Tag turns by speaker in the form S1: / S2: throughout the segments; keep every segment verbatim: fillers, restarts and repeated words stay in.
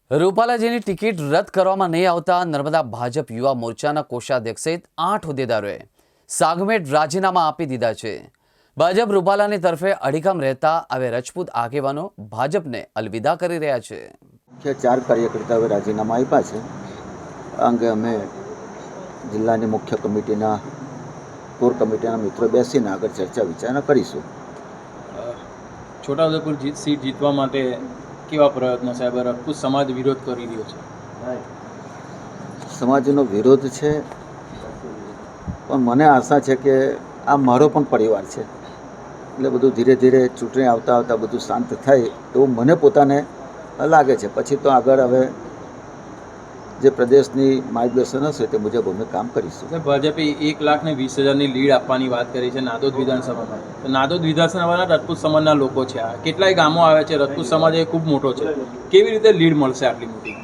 S1: રૂપાલાજીની ticket રદ કરવામાં નહીં આવતા નર્મદા ભાજપ યુવા મોરચાના કોષાધ્યક્ષ સહિત આઠ હોદ્દેદારોએ સાગમેટ રાજીનામા આપી દીધા છે। ભાજપ રૂપાલાની તરફે અડીખમ રહેતા હવે રજપૂત આગેવાનો ભાજપને અલવિદા કરી રહ્યા છે।
S2: કે ચાર કાર્યકર્તાઓએ રાજીનામા આપ્યા છે। આ અંગે અમે જિલ્લાની મુખ્ય કમિટીના કોર કમિટીના મિત્રો બેસીને આગળ ચર્ચા વિચારણા કરીશું।
S3: છોટાઉદેપુર જીત સીટ જીતવા માટે કેવા પ્રયત્નો સાહેબ રજપૂત સમાજ વિરોધ કરી રહ્યો છે?
S2: સમાજનો વિરોધ છે, પણ મને આશા છે કે આ મારો પણ પરિવાર છે, એટલે બધું ધીરે ધીરે ચૂંટણી આવતા આવતા બધું શાંત થાય એવું મને પોતાને લાગે છે। પછી તો આગળ હવે જે પ્રદેશની માર્ગદર્શન હશે તે મુજબ અમે કામ કરીશું।
S3: ભાજપે એક લાખ ને વીસ હજારની લીડ આપવાની વાત કરી છે નાદોદ વિધાનસભામાં। તો નાદોદ વિધાનસભાના રાજપૂત સમાજના લોકો છે, આ કેટલાય ગામો આવે છે, રાજપૂત સમાજ એ ખૂબ મોટો છે, કેવી રીતે લીડ મળશે આટલી મોટી?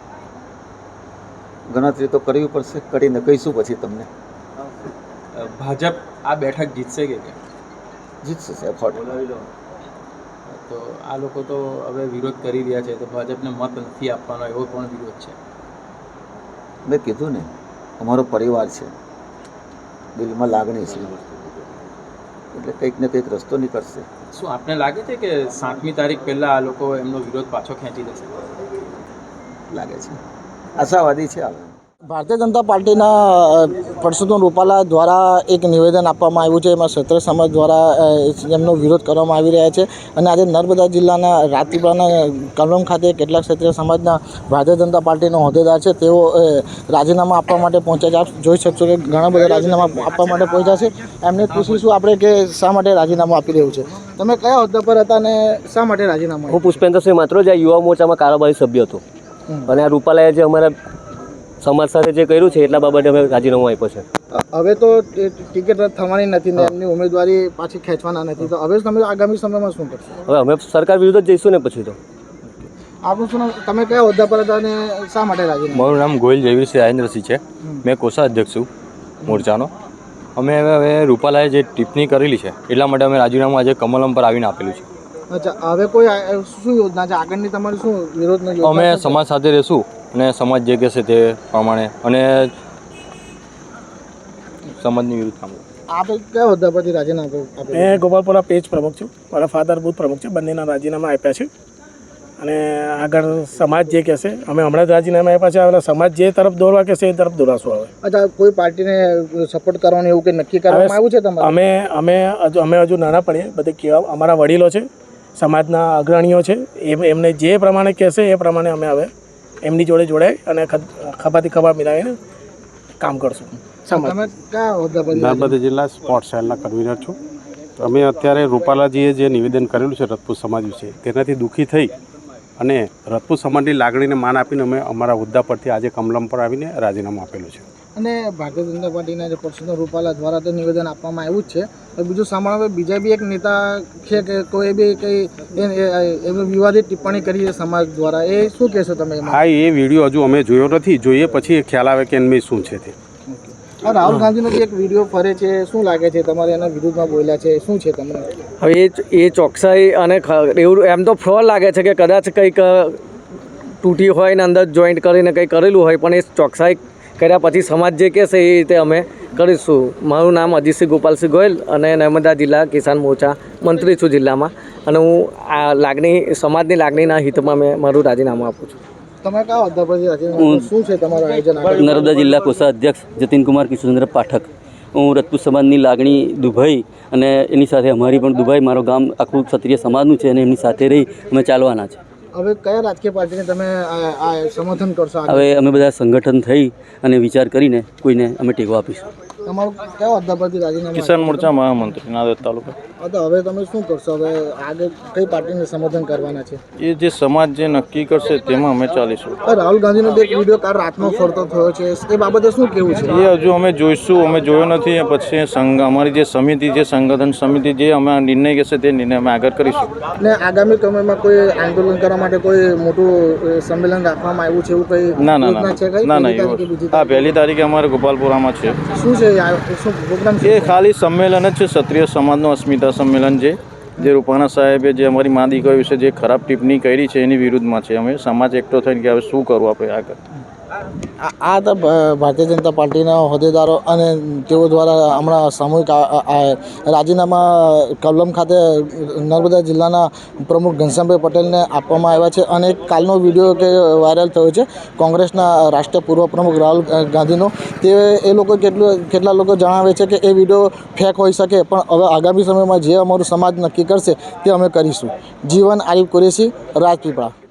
S2: ગણતરી તો કરવી પડશે, કરીને કહીશું પછી તમને।
S3: ભાજપ આ બેઠક જીતશે કે કેમ?
S2: જીતશે સાહેબ, સો ટકા।
S3: તો આ લોકો તો હવે વિરોધ કરી રહ્યા છે, તો ભાજપને મત નથી આપવાનો એવો પણ વિરોધ છે।
S2: મેં કીધું ને, અમારો પરિવાર છે, દિલમાં લાગણી છે, એટલે કંઈક ને કંઈક રસ્તો નીકળશે।
S3: શું આપને લાગે છે કે સાતમી તારીખ પહેલાં આ લોકો એમનો વિરોધ પાછો ખેંચી લેશે?
S2: લાગે છે, આશાવાદી છે। આવે
S4: ભારતીય જનતા પાર્ટીના પરસોત્તમ રૂપાલા દ્વારા એક નિવેદન આપવામાં આવ્યું છે, એમાં ક્ષત્રિય સમાજ દ્વારા એમનો વિરોધ કરવામાં આવી રહ્યા છે। અને આજે નર્મદા જિલ્લાના રાજપીપળાના કલમ ખાતે કેટલાક ક્ષત્રિય સમાજના ભારતીય જનતા પાર્ટીનો હોદ્દેદાર છે, તેઓ રાજીનામા આપવા માટે પહોંચ્યા છે। આપ જોઈ શકશો કે ઘણા બધા રાજીનામા આપવા માટે પહોંચ્યા છે। એમને પૂછીશું આપણે કે શા માટે રાજીનામું આપી રહ્યું છે। તમે કયા હોદ્દા પર હતા અને શા માટે રાજીનામું?
S5: હું પુષ્પેન્દ્રસિંહ માત્રોજા યુવા મોરચામાં કારોબારી સભ્ય હતો, અને આ રૂપાલાએ જે અમારા સમાજ સાથે જે કર્યું છે એટલા બાબતે અમે રાજીનામું આપ્યો છે।
S4: હવે તો ટિકિટ રદ થવાની નથી ને એમની ઉમેદવારી પાછી ખેંચવાના નથી, તો હવે તમે આગામી સમયમાં શું કરશો?
S5: હવે અમે સરકાર વિરુદ્ધ જ જઈશું ને પછી તો।
S4: આપનું શું નામ? તમે કયા હોદ્દા પર હતા અને શા માટે રાજીનામું?
S6: મારું નામ ગોયલ જયવીરસિંહ રાજેન્દ્રસિંહ છે, મેં કોષાધ્યક્ષ છું મોરચાનો। અમે હવે રૂપાલાએ જે ટિપ્પણી કરેલી છે એટલા માટે અમે રાજીનામું આજે કમલમ પર આવીને આપેલું છે।
S4: અચ્છા, હવે કોઈ શું યોજના છે આગળની તમારી? શું વિરોધની યોજના?
S6: અમે સમાજ સાથે રહીશું અને સમાજ જે કહેશે તે પ્રમાણે, અને સમાજની વિરુદ્ધ કામ।
S4: આપણે કયા હોદ્દા પરથી રાજીનામું આપ્યું?
S7: મેં ગોપાલપુરા પેજ પ્રમુખ છું, મારા ફાધર બુથ પ્રમુખ છે, બંનેના રાજીનામા આપ્યા છે। અને આગળ સમાજ જે કહેશે, અમે હમણાં જ રાજીનામા આપ્યા છે, હવે સમાજ જે તરફ દોરવા કહેશે એ તરફ દોરાશું। હવે
S4: અચ્છા, કોઈ પાર્ટીને સપોર્ટ કરવાનું એવું કંઈ નક્કી કરવામાં આવ્યું છે તમારે?
S7: અમે અમે હજુ અમે હજુ નાના પડીએ, બધે કેવા અમારા વડીલો છે, સમાજના અગ્રણીઓ છે, એમ એમને જે પ્રમાણે કહેશે એ પ્રમાણે અમે હવે એમની જોડે જોડાઈ અને ખભાથી ખભા મિલાવીને કામ કરશું।
S4: તમે કયા હોદ્દા પર?
S8: નર્મદા જિલ્લા સ્પોર્ટ્સ સેલના કન્વીનર છું। અમે અત્યારે રૂપાલાજીએ જે નિવેદન કરેલું છે રાજપૂત સમાજ વિશે, તેનાથી દુઃખી થઈ અને રાજપૂત સમાજની લાગણીને માન આપીને અમે અમારા હોદ્દા પરથી આજે કમલમ પર આવીને રાજીનામું આપેલું છે।
S4: અને ભારતીય જનતા પાર્ટીના જે પરસોત્તમ રૂપાલા દ્વારા તો નિવેદન આપવામાં આવ્યું જ છે, બીજું સાંભળવા બીજા બી એક નેતા છે કે કોઈ બી કંઈ એમની વિવાદિત ટિપ્પણી કરી છે સમાજ દ્વારા, એ શું કહેશો તમે?
S8: હા, એ વિડીયો હજુ અમે જોયો નથી, જોઈએ પછી ખ્યાલ આવે કે એમની શું છે તે।
S4: રાહુલ ગાંધીનો જે એક વિડીયો ફરે છે, શું લાગે છે તમારે એના વિરુદ્ધમાં બોલ્યા છે, શું છે તમને?
S5: હવે એ એ ચોકસાઈ અને એવું એમ તો ફ્રોડ લાગે છે કે કદાચ કંઈક તૂટી હોય ને અંદર જોઈન્ટ કરીને કંઈક કરેલું હોય, પણ એ ચોકસાઈ કર્યા પછી સમાજ જે કહેશે એ રીતે અમે કરીશું। મારું નામ અજીતસિંહ ગોપાલસિંહ ગોયલ અને નર્મદા જિલ્લા કિસાન મોરચા મંત્રી છું જિલ્લામાં, અને હું આ લાગણી સમાજની લાગણીના હિતમાં મેં મારું રાજીનામું આપું છું।
S4: તમે કયા હોદ્દા પરથી રાજીનામું? શું છે તમારું આયોજન?
S9: નર્મદા જિલ્લા કોષાધ્યક્ષ જતીનકુમાર કિશોરચંદ્ર પાઠક। હું રાજપૂત સમાજની લાગણી દુભાઈ અને એની સાથે અમારી પણ દુભાઈ, મારું ગામ આખું ક્ષત્રિય સમાજનું છે અને એમની સાથે રહી અમે ચાલવાના છે।
S4: હવે કયા રાજકીય પાર્ટીને તમે આ સમર્થન કરશો?
S9: હવે અમે બધા સંગઠન થઈ અને વિચાર કરીને કોઈને અમે ટેકો આપીશું।
S4: તમારું કયા હોદ્દા પરથી રાજીનામું?
S6: કિસાન મોરચા મહામંત્રી નાદોદ તાલુકા।
S4: તો હવે તમે શું કરશો? હવે આગળ કઈ પાર્ટીને સમર્થન કરવાના છે?
S6: એ જે સમાજ જે નક્કી કરશે તેમાં અમે ચાલીશું।
S4: રાહુલ ગાંધીનો એક વિડીયો કાલ રાતનો ફરતો થયો છે, એ બાબતે શું કહેવું છે?
S6: એ હજુ અમે જોઈશું, અમે જોયો નથી, પછી સંઘ અમારી જે સમિતિ જે સંગઠન સમિતિ જે અમે નિર્ણય કહેશે તે નિર્ણય અમે આગળ કરીશું।
S4: ને આગામી સમયમાં કોઈ આંદોલન કરવા માટે કોઈ મોટું સંમેલન રાખવામાં આવ્યું છે એવું કઈ
S6: ના ના
S4: યોજના છે?
S6: ના ના હા, પહેલી તારીખે અમારે ગોપાલપુરામાં છે।
S4: શું છે શું પ્રોગ્રામ છે?
S6: એ ખાલી સંમેલન જ છે, ક્ષત્રિય સમાજનું અસ્મિતા સંમેલન છે,
S10: જે રૂપાણા સાહેબે જે અમારી મા દીકરીઓ વિશે જે ખરાબ ટિપ્પણી કરી છે એની વિરુદ્ધમાં છે. અમે સમાજ એકઠો થઈને કે હવે શું કરવું આપણે આગળ.
S4: આ આ હતા ભ- ભારતીય જનતા પાર્ટીના હોદ્દેદારો અને તેઓ દ્વારા હમણાં સામૂહિક આ- આ- આ રાજીનામા કલમ ખાતે નર્મદા જિલ્લાના પ્રમુખ ઘનશ્યામભાઈ પટેલને આપવામાં આવ્યા છે. અને એક કાલનો વિડીયો કે વાયરલ થયો છે કોંગ્રેસના રાષ્ટ્રીય પૂર્વ પ્રમુખ રાહુલ ગાંધીનો. તે એ લોકો કેટલું કેટલા લોકો જણાવે છે કે એ વિડીયો ફેક હોઈ શકે, પણ હવે આગામી સમયમાં જે અમારું સમાજ નક્કી કરશે તે અમે કરીશું. જીવન આરિફ કુરેશી, રાજપીપળા.